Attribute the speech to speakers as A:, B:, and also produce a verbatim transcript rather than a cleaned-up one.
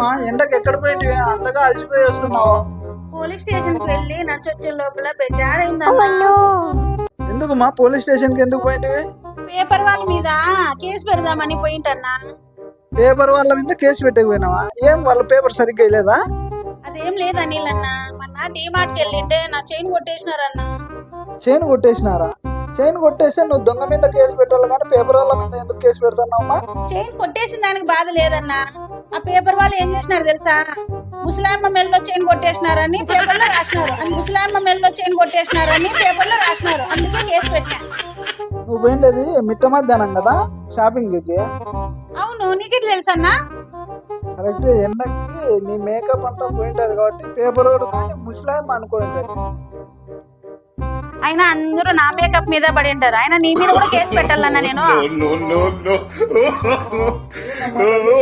A: ఏమా ఎండకి ఎక్కడ పోయింటి అంతగా అలసిపోయి వస్తున్నావు?
B: పోలీస్ స్టేషన్ కి వెళ్ళి నడిచొచ్చే లోపల బెజారైందన్నా.
A: ఎందుకుమా పోలీస్ స్టేషన్ కి ఎందుకు పోయింటివి?
B: పేపర్ వాళ్ళ మీద కేసు పెడదామని పోయింటన్నా.
A: పేపర్ వాళ్ళ మీద కేసు పెట్టకపోయినావా? ఏం వాళ్ళ పేపర్ సరిగ్గా వేయలేదా?
B: అదేం లేదు అనిల్ మొన్న డీమార్ట్ కి వెళ్ళింటే నా చైన్ కొట్టేసినారన్నా.
A: చైన్ కొట్టేసినారా? చైన్ కొట్టేస్తే నువ్వు దొంగ మీద కేసు పెట్టాలి కానీ పేపర్ వాళ్ళ మీద ఎందుకు కేసు పెడతాన్నావమ్మా?
B: చైన్ కొట్టేసిన దానికి బాధ లేదన్నా. ఆ పేపర్ వాళ్ళు ఏం చేసినారు తెలుసా? ముసలాయమ్మ మెల్లో చైన్ కొట్టేసినారని పేపర్ లో రాసినారు. అది ముసలాయమ్మ మెల్లో చైన్ కొట్టేసినారని పేపర్ లో రాసినారు. అందుకే కేసు పెట్టా.
A: నువ్వు పోయిండేది మిట్ట మధ్యాహ్నం కదా షాపింగ్ కి?
B: అవును, నీకెట్ తెలుసన్నా?
A: కరెక్ట్. ఎండకి నీ మేకప్ అంతా పోయింటది కాబట్టి పేపర్ ముసలాయమ్మ అనుకోండి.
B: అయినా అందరూ నా మేకప్ మీద పడి ఉంటారు. అయినా నీ మీద కూడా కేసు పెట్టాలన్నా నేను.